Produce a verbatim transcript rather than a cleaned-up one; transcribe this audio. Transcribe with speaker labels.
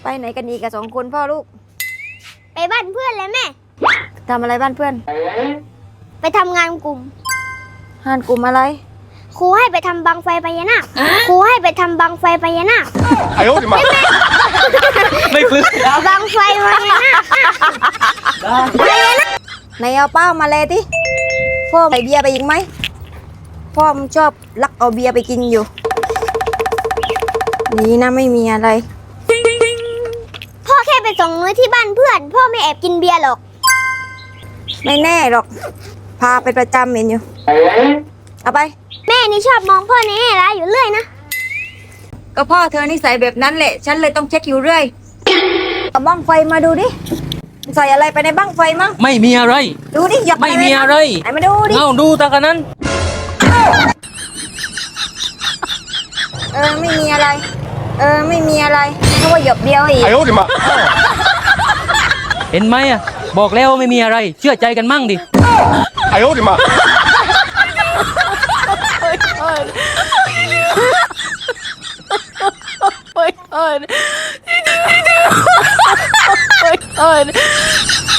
Speaker 1: ไปไหนกันอีกกับสองคนพ่อลูก
Speaker 2: ไปบ้านเพื่อนเลยแม่
Speaker 1: ทำอะไรบ้านเพื่อน
Speaker 2: ไปทำงานกลุ่ม
Speaker 1: งานกลุ่มอะไร
Speaker 2: ครูให้ไปทำบังไฟพญานาคครูให้ไปทำบังไฟพญานาค
Speaker 3: 哎呦我的妈
Speaker 4: ไม่ฟื้น
Speaker 2: บังไฟพญานาค
Speaker 1: ไหนเอาเป้ามาเลยที่พ่อใส่เบียร์ไปอีกไหมพ่อมันชอบลักเอาเบียร์ไปกินอยู่นี่นะไม่มีอะไร
Speaker 2: พ่อแค่ไปส่งนุ้ยที่บ้านเพื่อนพ่อไม่แอบกินเบียร์หรอก
Speaker 1: ไม่แน่หรอกพาไปประจำเห็นอยู่เอาไป
Speaker 2: แม่นี่ชอบมองพ่อในแง่ร้ายอยู่เรื่อยนะ
Speaker 1: ก็พ่อเธอนิสัยแบบนั้นแหละฉันเลยต้องเช็คอยู่เรื่อยเอาบ้างไฟมาดูดิใส่อะไรไปในบ้างไฟมั้ง
Speaker 4: ไม่มีอะไร
Speaker 1: ดูดิหยับ
Speaker 4: ไม่มีอะไร
Speaker 1: ไหนมาดูดิ
Speaker 4: เอาดูตากันนั้น
Speaker 1: เออไม่มีอะไรเออไม่มีอะไรเพราะว่าหยบเดียวอีก
Speaker 3: 哎呦我的妈
Speaker 4: เห็นไหมอ่ะบอกแล้วไม่มีอะไรเชื่อใจกันมั่งดิ
Speaker 3: 哎呦我的妈
Speaker 5: Oh my god. Oh my god.